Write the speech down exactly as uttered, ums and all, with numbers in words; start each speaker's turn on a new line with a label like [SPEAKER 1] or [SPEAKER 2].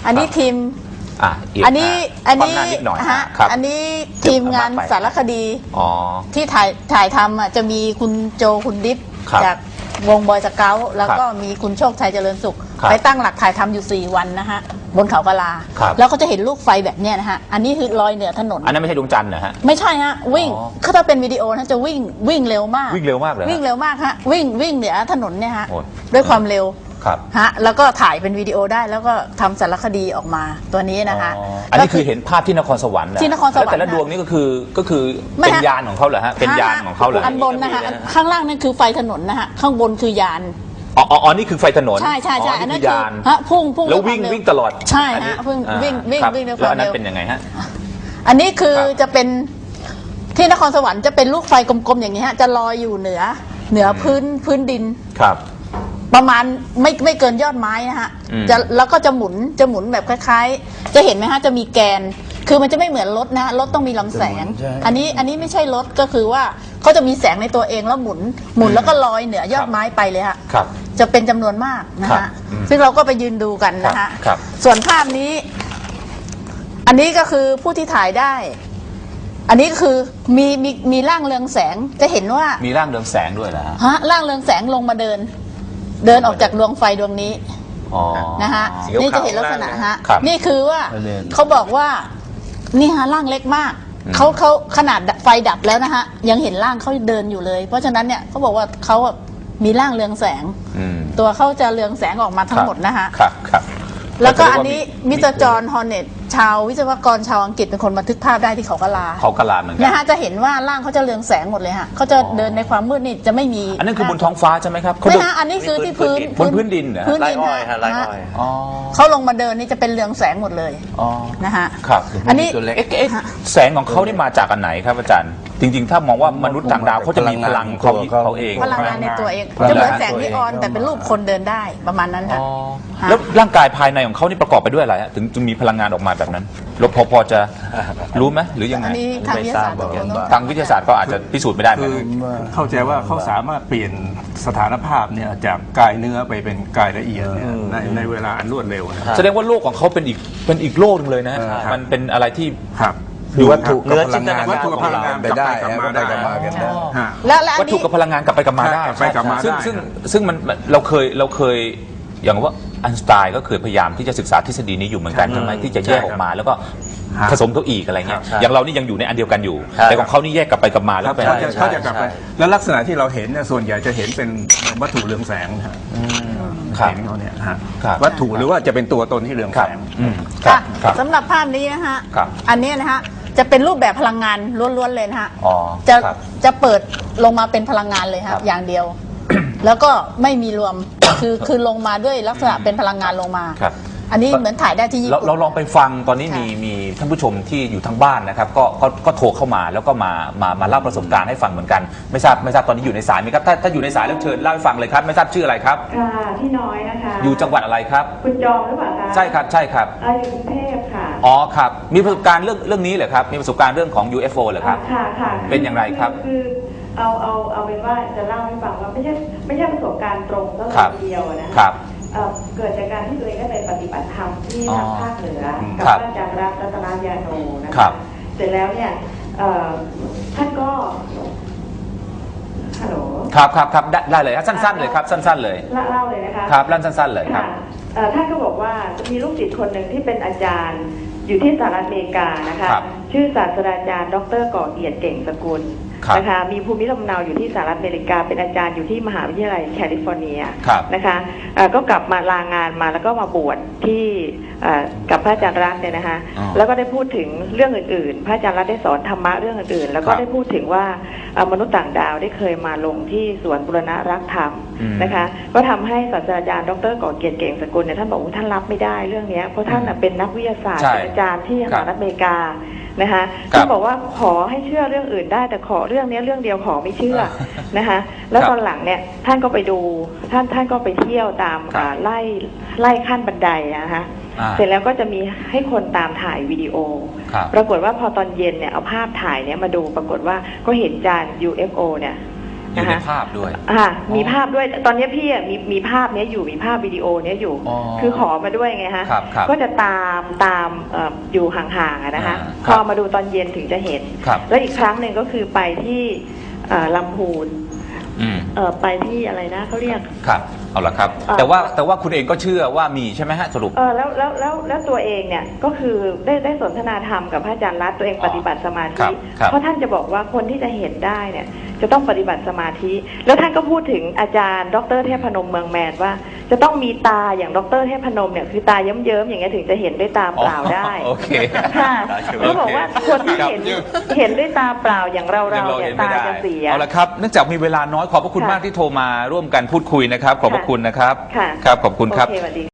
[SPEAKER 1] อันนี้ทีม
[SPEAKER 2] อ่ะ
[SPEAKER 1] อันนี้อันนี้ฮะอันนี้ทีมงานสารคดีที่ถ่ายถ่ายทำอ่ะจะมีคุณโจคุณดิษจากวงบอยสเกาต์แล้วก็มีคุณโชคชัยเจริญสุขไปตั้งหลักถ่ายทำอยู่สี่วันนะฮะบนเขากะลาแล้วก็จะเห็นลูกไฟแบบเนี้ยนะฮะอันนี้คือลอยเหนือถนน
[SPEAKER 2] อันนั้นไม่ใช่ดวงจันทร์นะฮะ
[SPEAKER 1] ไม่ใช่ฮะวิ่งถ้าเป็นวิดีโอนะจะวิ่งวิ่งเร็วมาก
[SPEAKER 2] วิ่งเร็วมากเลย
[SPEAKER 1] วิ่งเร็วมากฮะวิ่งวิ่งเหนือถนนเนี่ยฮะด้วยความเร็วฮะแล้วก็ถ่ายเป็นวิดีโอได้แล้วก็ทำสารคดีออกมาตัวนี้นะคะ
[SPEAKER 2] อันนี้คือเห็นภาพที่นครสวรรค์
[SPEAKER 1] ที่นครสวรรค์
[SPEAKER 2] แต่ละดวงนี้ก็คือก็คือเป็นยานของเขาเหรอฮะเป็นยานของเขาเหรอ
[SPEAKER 1] อันบนนะคะข้างล่างนั่นคือไฟถนนนะฮะข้างบนคือยาน
[SPEAKER 2] อ๋ออ๋อนี่คือไฟถนน
[SPEAKER 1] ใช่ใช่ใช่อันนั้นคือยานฮะพุ่งพุ่ง
[SPEAKER 2] แล้ววิ่งวิ่งตลอด
[SPEAKER 1] ใช่ฮะพุ่งวิ่งวิ่งวิ่งด้วยความเร็ว
[SPEAKER 2] แล้วอันนั้นเป็นยังไงฮะ
[SPEAKER 1] อันนี้คือจะเป็นที่นครสวรรค์จะเป็นลูกไฟกลมๆอย่างนี้ฮะจะลอยอยู่เหนือเหนือพื้นพื้นดิน
[SPEAKER 2] ครับ
[SPEAKER 1] ประมาณไม่ไม่เกินยอดไม้นะฮะจะแล้วก็จะหมุนจะหมุนแบบคล้ายๆจะเห็นไหมฮะจะมีแกนคือมันจะไม่เหมือนรถนะรถต้องมีลำแสงอันนี้อันนี้ไม่ใช่รถก็คือว่าเขาจะมีแสงในตัวเองแล้วหมุนหมุนแล้วก็ลอยเหนือยอดไม้ไปเลยฮะจะเป็นจำนวนมากนะฮะซึ่งเราก็ไปยืนดูกันนะฮะส่วนภาพนี้อันนี้ก็คือผู้ที่ถ่ายได้อันนี้คือมีมีมีร่างเรืองแสงจะเห็นว่า
[SPEAKER 2] มีร่างเรืองแสงด้วยนะ
[SPEAKER 1] ฮะร่างเรืองแสงลงมาเดินเดินออกจากดวงไฟดวงนี้นะฮะนี่จะเห็นลักษณะฮะนี่คือว่าเขาบอกว่านี่ฮะร่างเล็กมากเขาเขาขนาดไฟดับแล้วนะฮะยังเห็นร่างเขาเดินอยู่เลยเพราะฉะนั้นเนี่ยเขาบอกว่าเขามีร่างเรืองแสงตัวเขาจะเรืองแสงออกมาทั้งหมดนะฮะแล้วก็อันนี้มิสเตอร์จอห์นฮอร์เน็ตชาววิศวกรชาวอังกฤษเป็นคนบันทึกภาพได้ที่เขากะลา
[SPEAKER 2] เขากะลาเหมือนกัน
[SPEAKER 1] นะฮะจะเห็นว่าร่างเขาจะเรืองแสงหมดเลยฮะเขาจะเดินในความมืดนี่จะไม่มี
[SPEAKER 2] อันนั้นคือบนท้องฟ้าใช่ไหมครับ
[SPEAKER 1] ไม่ฮะอันนี้คือที่พื้น
[SPEAKER 2] บนพื้นดินเหรอ
[SPEAKER 1] พื้นดินฮะเขาลงมาเดินนี่จะเป็นเรืองแสงหมดเลยนะฮะ
[SPEAKER 2] ครับ
[SPEAKER 1] อันนี้
[SPEAKER 2] แสงของเขานี่มาจากอันไหนครับอาจารย์จริงๆถ้ามองว่ามนุษย์ต่างดาวเขาจะมีพลังเขาเขาเอง
[SPEAKER 1] พลังงานในตัวเองจะเหมือนแสงนีออนแต่เป็นรูปคนเดินได้ประมาณนั้นค่ะ
[SPEAKER 2] แล้วร่างกายภายในของเขานี่ประกอบไปด้วยอะไรฮะถึงจึงมีพลังงานออกมาแบบนั้นเราพอพอจะรู้ไหมหรือยังไง
[SPEAKER 1] อันนี้ทางวิทยาศาสตร์
[SPEAKER 2] ทางวิทยาศาสตร์ก็อาจจะพิสูจน์ไม่ได้คือ
[SPEAKER 3] เข้าใจว่าเขาสามารถเปลี่ยนสถานภาพเนี่ยจากกายเนื้อไปเป็นกายละเอียดในในเวลาอันรวดเร็ว
[SPEAKER 2] แสดงว่าโลกของเขาเป็นอีกเป็นอีกโลกนึงเลยนะมันเป็นอะไรที่
[SPEAKER 3] อยู่วัตถุ
[SPEAKER 2] เนื้อจินตนาการ
[SPEAKER 3] วัตถุกับพลังงานไปได้ได้กลับมากันได้
[SPEAKER 1] แล้ว
[SPEAKER 2] วัตถุกับพลังงานกลับไปกลับมาได้
[SPEAKER 3] ไปกลับมาได้
[SPEAKER 2] ซึ่งซึ่งซึ่งมันเราเคยเราเคยอย่างว่าอันสไตน์ก็เคยพยายามที่จะศึกษาทฤษฎีนี้อยู่เหมือนกันใช่ไหมที่จะแยกออกมาแล้วก็ผสมเขาอีกอะไรเงี้ยอย่างเรานี่ยังอยู่ในอันเดียวกันอยู่แต่ของเขานี่แยกกลับไปกลับมาแล้วไป
[SPEAKER 3] เขาจะกลับไปแล้วลักษณะที่เราเห็นเนี่ยส่วนใหญ่จะเห็นเป็นวัตถุเรืองแสงนะฮะเห็นเขาเนี่ยฮะวัตถุหรือว่าจะเป็นตัวตนที่เรืองแสง
[SPEAKER 1] สำหรับภาพนี้นะฮะอันนี้นะฮะจะเป็นรูปแบบพลังงานล้วนๆเลยนะฮะจะจะเปิดลงมาเป็นพลังงานเลยครับอย่างเดียวแล้วก็ไม่มีรวมคือคือลงมาด้วยลักษณะเป็นพลังงานลงมาอันนี้เหมือนถ่ายได้ที่ญี่ปุ่น
[SPEAKER 2] เราลองไปฟังตอนนี้มีมีท่านผู้ชมที่อยู่ทางบ้านนะครับก็ก็ก็โทรเข้ามาแล้วก็มามามาเล่าประสบการณ์ให้ฟังเหมือนกันไม่ทราบไม่ทราบตอนนี้อยู่ในสายไหมครับถ้าถ้าอยู่ในสายแล้วเชิญเล่าให้ฟังเลยครับไม่ทราบชื่ออะไรครับ
[SPEAKER 4] ค่ะพี่น้อยนะคะ
[SPEAKER 2] อยู่จังหวัดอะไรครับ
[SPEAKER 4] คุณจอมหรือเปล่าคะ
[SPEAKER 2] ใช่ครับใช่ครับ
[SPEAKER 4] อยู่กรุงเทพค่ะ
[SPEAKER 2] อ๋อครับมีประสบการณ์เรื่องเรื่องนี้เหรอครับมีประสบการณ์เรื่องของ ยู เอฟ โอ เหรอครับ
[SPEAKER 4] ค่ะค่ะ
[SPEAKER 2] เป็นอย่างไรครับ
[SPEAKER 4] คือเอาเอาเอาเป็นว่าจะเล่าให้ฟังว่าไม่ใช่ไม่ใช่ประสบการณ์ตรงก็เลยเดียวนะคะเกิดจากการที่ตัวเองได้ไปปฏิบัติธรรมที่ทางภาคเหนือกับอาจารย์รัตนยาโนนะคะเสร็จแล้วเนี่ยท่านก็ฮัลโหล
[SPEAKER 2] ครับครับครับได้เลยครับสั้นๆเลยครับสั้นๆเลย
[SPEAKER 4] เล่าเลยนะคะ
[SPEAKER 2] ครับเล่าสั้นๆเลยครับ
[SPEAKER 4] ท่านก็บอกว่าจะมีลูกศิษย์คนหนึ่งที่เป็นอาจารย์อยู่ที่สหรัฐอเมริกานะคะชื่อศาสตราจารย์ดร.ก่อเกียรติเก่งสกุลนะคะมีภูมิลำเนาอยู่ที่สหรัฐอเมริกาเป็นอาจารย์อยู่ที่มหาวิทยาลัยแคลิฟอร์เนียนะคะก็กลับมาลางานมาแล้วก็มาบวชที่กับพระอาจารย์รัตน์เนี่ยนะคะแล้วก็ได้พูดถึงเรื่องอื่นๆพระอาจารย์รัตน์ได้สอนธรรมะเรื่องอื่นๆแล้วก็ได้พูดถึงว่ามนุษย์ต่างดาวได้เคยมาลงที่สวนบุรณะรักธรรมนะคะก็ทำให้ศาสตราจารย์ดร.ก่อเกียรติเก่งสกุลเนี่ยท่านบอกว่าท่านรับไม่ได้เรื่องนี้เพราะท่านเป็นนักวิทยาศาสตร์เป็นอาจารย์ที่สหรัฐอเมริกานะคะท่านบอกว่าขอให้เชื่อเรื่องอื่นได้แต่ขอเรื่องนี้เรื่องเดียวขอไม่เชื่อนะคะแล้วตอนหลังเนี่ยท่านก็ไปดูท่านท่านก็ไปเที่ยวตามไล่ไล่ขั้นบันไดนะคะเสร็จแล้วก็จะมีให้คนตามถ่ายวิดีโอปรากฏว่าพอตอนเย็นเนี่ยเอาภาพถ่ายเนี่ยมาดูปรากฏว่าก็เห็นจาน ยู เอฟ โอ เนี่ย
[SPEAKER 2] อยู่ในภาพด้วย
[SPEAKER 4] อ่ามีภาพด้วยตอนนี้พี่อ่ะมีมีภาพเนี้ยอยู่มีภาพวิดีโอเนี้ยอยู่
[SPEAKER 2] อ๋อ
[SPEAKER 4] คือขอมาด้วยไงฮะ
[SPEAKER 2] ครับครับ
[SPEAKER 4] ก็จะตามตามเอ่ออยู่ห่างๆอะนะคะ
[SPEAKER 2] อ่า
[SPEAKER 4] พอมาดูตอนเย็นถึงจะเห็น
[SPEAKER 2] ครับ
[SPEAKER 4] แล้วอีกครั้งหนึ่งก็คือไปที่เอ่อลำพูน
[SPEAKER 2] อืม
[SPEAKER 4] เอ่อไปที่อะไรนะเขาเรียก
[SPEAKER 2] ครับเอาละครับ
[SPEAKER 4] อ่า
[SPEAKER 2] แต่ว่าแต่ว่าคุณเองก็เชื่อว่ามีใช่ไหมฮะสรุป
[SPEAKER 4] เออแล้วแล้วแล้วแล้วตัวเองเนี่ยก็คือได้ได้สนทนาธรรมกับพระอาจารย์รัตน์ตัวเองปฏิบัติสมา
[SPEAKER 2] ครั
[SPEAKER 4] ธิ
[SPEAKER 2] บครับ
[SPEAKER 4] เพราะท่านจะบอกว่าคนที่จะเห็นได้เนี่ยจะต้องปฏิบัติสมาธิ แล้วท่านก็พูดถึงอาจารย์ ดรเทพนมเมืองแมนว่า จะต้องมีตาอย่างดรเทพนมเนี่ยคือตาเยิ้มๆอย่างเงี้ยถึงจะเห็นด้วยตาเปล่าได้
[SPEAKER 2] โอเค
[SPEAKER 4] ค่ะเขาบอกว่าคนที่เห็น
[SPEAKER 2] ครับ
[SPEAKER 4] เห็นด้วยตาเปล่าอย่างเราเราๆเนี่ยตาจะเสีย
[SPEAKER 2] เอาละครับเนื่องจากมีเวลาน้อยขอบพระคุณ
[SPEAKER 4] ค่ะ
[SPEAKER 2] มากที่โทรมาร่วมกันพูดคุยนะครับ ขอบพระคุณนะครับ
[SPEAKER 4] ค่ะ
[SPEAKER 2] ครับขอบคุณครับ
[SPEAKER 4] โอเคสวัสดีค่ะ